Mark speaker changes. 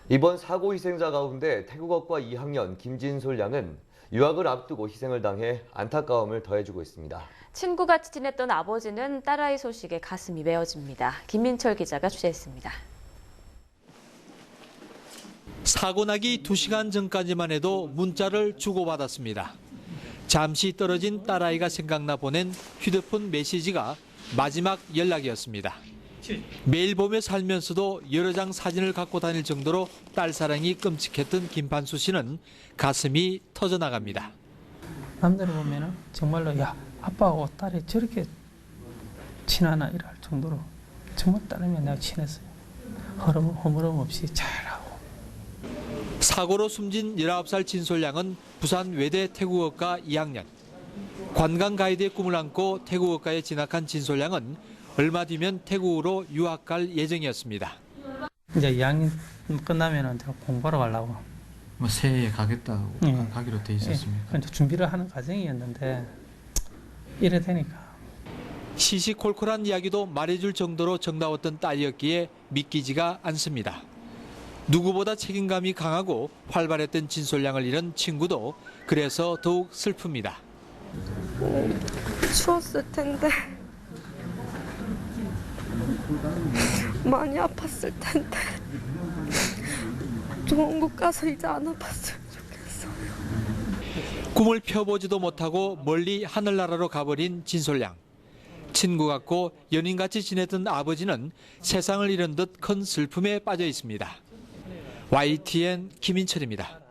Speaker 1: 이번 사고 희생자 가운데 태국어과 2학년 김진솔 양은 유학을 앞두고 희생을 당해 안타까움을 더해주고 있습니다.
Speaker 2: 친구같이 지냈던 아버지는 딸아이 소식에 가슴이 메어집니다. 김민철 기자가 취재했습니다.
Speaker 3: 사고 나기 2시간 전까지만 해도 문자를 주고받았습니다. 잠시 떨어진 딸아이가 생각나 보낸 휴대폰 메시지가 마지막 연락이었습니다. 매일 보며 살면서도 여러 장 사진을 갖고 다닐 정도로 딸 사랑이 끔찍했던 김판수 씨는 가슴이 터져나갑니다.
Speaker 4: 남들을 보면은 정말로 야 아빠하고 딸이 저렇게 친하나 이럴 정도로 정말 딸이면 내가 친했어요. 허물음 없이 잘하고.
Speaker 3: 사고로 숨진 19살 진솔 양은 부산 외대 태국어과 2학년. 관광 가이드의 꿈을 안고 태국어과에 진학한 진솔 양은 얼마 뒤면 태국으로 유학 갈 예정이었습니다.
Speaker 4: 이제 2학년 끝나면은 공부하러 가려고.
Speaker 5: 뭐 새해에 가겠다고
Speaker 4: 예.
Speaker 5: 가기로 돼 있었습니까?
Speaker 4: 예. 준비를 하는 과정이었는데 이래 되니까.
Speaker 3: 시시콜콜한 이야기도 말해줄 정도로 정다웠던 딸이었기에 믿기지가 않습니다. 누구보다 책임감이 강하고 활발했던 진솔 양을 잃은 친구도 그래서 더욱 슬픕니다.
Speaker 6: 추웠을 텐데 많이 아팠을 텐데 좋은 곳 가서 이제 안 아팠으면 좋겠어요.
Speaker 3: 꿈을 펴보지도 못하고 멀리 하늘나라로 가버린 진솔 양. 친구 같고 연인같이 지냈던 아버지는 세상을 잃은 듯 큰 슬픔에 빠져 있습니다. YTN 김인철입니다.